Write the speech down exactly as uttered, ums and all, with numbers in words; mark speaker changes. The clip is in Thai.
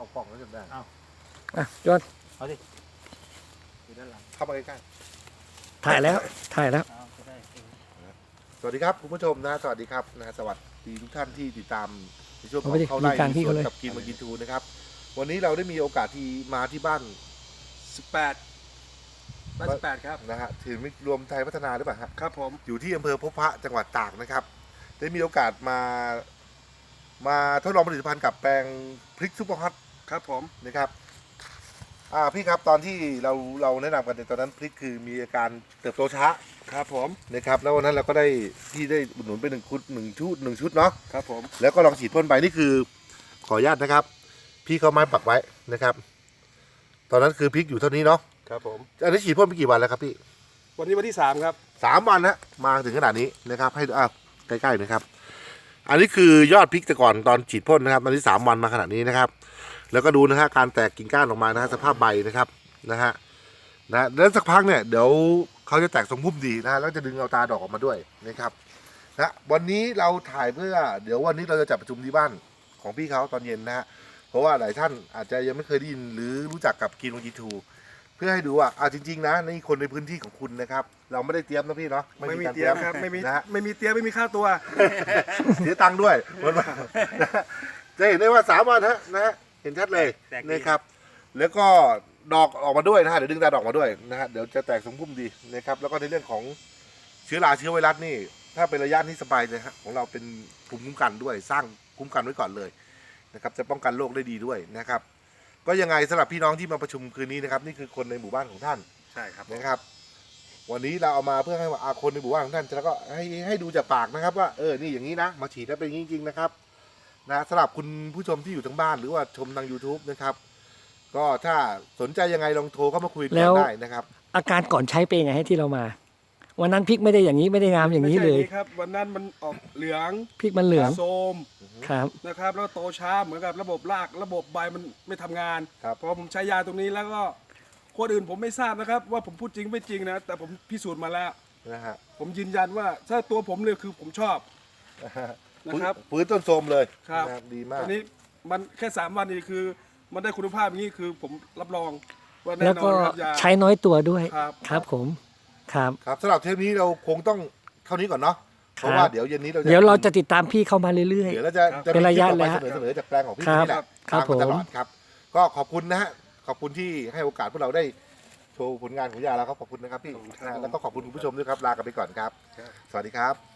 Speaker 1: เอากล่องแล้วจำได้เอา
Speaker 2: อ่ะจวน
Speaker 1: เอาดิอยู่ด้านหลัง
Speaker 3: เข้ามาใกล้
Speaker 2: ถ่ายแล้วถ่ายแล้ว
Speaker 1: เอาจะได้เออ
Speaker 3: ๆสวัสดีครับคุณผู้ชมนะสวัสดีครับนะสวัสดีทุกท่านที่ติดตามในช่วงของ
Speaker 2: เอาไปดิ
Speaker 3: เข้าไล่
Speaker 2: มีการที่
Speaker 3: สวน
Speaker 2: เขาเลย
Speaker 3: กับกินมากินทูนะครับวันนี้เราได้มีโอกาสที่มาที่บ้าน
Speaker 4: สิบแปดบ้านสิบแปดครับ
Speaker 3: นะฮะถือมิตรรวมไทยพัฒนาหรือเปล่าฮะ
Speaker 4: ครับผม
Speaker 3: อยู่ที่อำเภอพบพระจังหวัดตากนะครับ ได้มีโอกาสมามาทดลองผลิตภัณฑ์กับแปลงพริกซุปเปอร์ฮอต
Speaker 4: ครับผม
Speaker 3: นะครับอ่าพี่ครับตอนที่เราเราแนะนำกันในตอนนั้นพริกคือมีอาการเติบโตช้า
Speaker 4: ครับผม
Speaker 3: นะครับแล้ววันนั้นเราก็ได้พี่ได้อุดหนุนไปหนึ่งชุดหนึ่งชุดหนึ่งชุดเนาะ
Speaker 4: ครับผม
Speaker 3: แล้วก็ลองฉีดพ่นไปนี่คือขออนุญาตนะครับ พี่เขาไม้ปักไว้นะครับ ตอนนั้นคือพริกอยู่เท่านี้เนาะ
Speaker 4: ครับผม
Speaker 3: อันนี้ฉีดพ่นไปกี่วันแล้วครับพี่
Speaker 4: วันนี้วันที่สามครับ
Speaker 3: สามวันนะมาถึงขนาดนี้นะครับ ให้ดูอ่ะใกล้ๆนะครับ อันนี้คือยอดพริกแต่ก่อนตอนฉีดพ่นนะครับตอนนี้สามวันมาขนาดนี้นะครับ แล้วก็ดูนะฮะการแตกกิ่งก้านออกมานะฮะสภาพใบนะครับนะฮะนะแล้วสักพักเนี่ยเดี๋ยวเขาจะแตกทรงพุ่มดีนะฮะแล้วจะดึงเอาตาดอกออกมาด้วยนะครับนะวันนี้เราถ่ายเพื่อเดี๋ยววันนี้เราจะจัดประชุมที่บ้านของพี่เขาตอนเย็นนะฮะเพราะว่าหลายท่านอาจจะยังไม่เคยได้ยินหรือรู้จักกับกินวงกีทูเพื่อให้ดูว่าอ่าจริงๆนะนี่คนในพื้นที่ของคุณนะครับ เราไม่ได้เตรียมนะพี่เนาะ
Speaker 4: ไม่มี
Speaker 3: การ
Speaker 4: เตรียมครับไม่มี
Speaker 3: นะฮะ
Speaker 4: ไม่มีเตรียมไม่มีค่าตัว
Speaker 3: เสียตังค์ด้วยวันมาจะเห็นได้ว่าสามวันฮะนะฮะเห็นชัดเลยนะครับ แล้วก็ดอกออกมาด้วยนะฮะเดี๋ยวดึงตาดอกมาด้วยนะฮะเดี๋ยวจะแตกสมพุ่มดีนะครับแล้วก็ในเรื่องของเชื้อราเชื้อไวรัสนี่ ถ้าเป็นระยะนี้สบายเลยฮะของเราเป็นภูมิคุ้มกันด้วยสร้างภูมิคุ้มกันไว้ก่อนเลยนะครับจะป้องกันโรคได้ดีด้วยนะครับ ก็ยังไงสำหรับพี่น้องที่มาประชุมคืนนี้นะครับนี่คือคนในหมู่บ้านของท่าน
Speaker 4: ใช่ครับ
Speaker 3: นะครับวันนี้เราเอามาเพื่อให้อาคนในหมู่บ้านของท่านแล้วก็ให้ให้ดูจากปากนะครับว่าเออนี่อย่างนี้นะมาฉีดแล้วเป็นอย่างนี้จริงๆนะครับนะสำหรับคุณผู้ชมที่อยู่ทั้งบ้านหรือว่าชมทาง YouTube นะครับก็ถ้าสนใจยังไงลองโทรเข้ามาคุยกั
Speaker 2: แล้
Speaker 3: น
Speaker 2: ว
Speaker 3: ได้นะครับ
Speaker 2: อาการก่อนใช้เป็นยังไงให้ที่เรามา วันนั้นพริกไม่ได้อย่างนี้ไม่ได้งามอย่างนี้เลย
Speaker 4: ไม่ใช่ครับ วันนั้นมันออกเหลือง
Speaker 2: พริกมันเหลือง
Speaker 4: โทรม
Speaker 2: ครับ
Speaker 4: นะครับ แล้วโตช้าเหมือนกับระบบรากระบบใบมันไม่ทำงาน
Speaker 3: ครับ
Speaker 4: พอผมใช้ยาตรงนี้แล้วก็คนอื่นผมไม่ทราบนะครับ ว่าผมพูดจริงไม่จริงนะแต่ผมพิสูจน์มาแล้ว
Speaker 3: นะฮะ
Speaker 4: ผมยืนยันว่าถ้าตัวผมเลยคือผมชอบนะครับ
Speaker 3: ฟื้นต้นโทรมเลย
Speaker 4: ครับ
Speaker 3: นะดีมาก
Speaker 4: อันนี้มันแค่สามวันนี้คือ มันได้คุณภาพอย่างนี้คือผมรับรองว่าแน่
Speaker 2: แล้ว
Speaker 4: นอ
Speaker 2: ก็
Speaker 4: นครับยา
Speaker 2: ใช้น้อยตัวด้วย
Speaker 4: ครับ
Speaker 2: ครับผมครับ
Speaker 3: ครับสำหรับเทปนี้เราคงต้องเท่านี้ก่อนเนาะเพราะ
Speaker 2: ครับ
Speaker 3: ว่าเดี๋ยวเย็นนี้เราจะ
Speaker 2: เดี๋ยวเราจะติดตามพี่เข้ามาเรื่อย
Speaker 3: เดี๋ยวเราจะจะ
Speaker 2: เป็นระยะ
Speaker 3: มีคลิปต่อไป
Speaker 2: เลยฮะ
Speaker 3: เสนอเสนอจากแปลงของพี่
Speaker 2: ครับ
Speaker 3: นี่แหละ
Speaker 2: ครับ
Speaker 3: ตามมาตลอ
Speaker 2: ผม
Speaker 3: ดครับ ก็ขอบคุณนะฮะขอบคุณที่ให้โอกาสพวกเราได้โชว์ผลงานของยาแล้วครับขอบคุณนะครับพี่
Speaker 4: ขอบคุณครับ
Speaker 3: นะแล้วก็ขอบคุณคุณผู้ชมด้วยครับลากันไปก่อนครับ สวัสดีครับ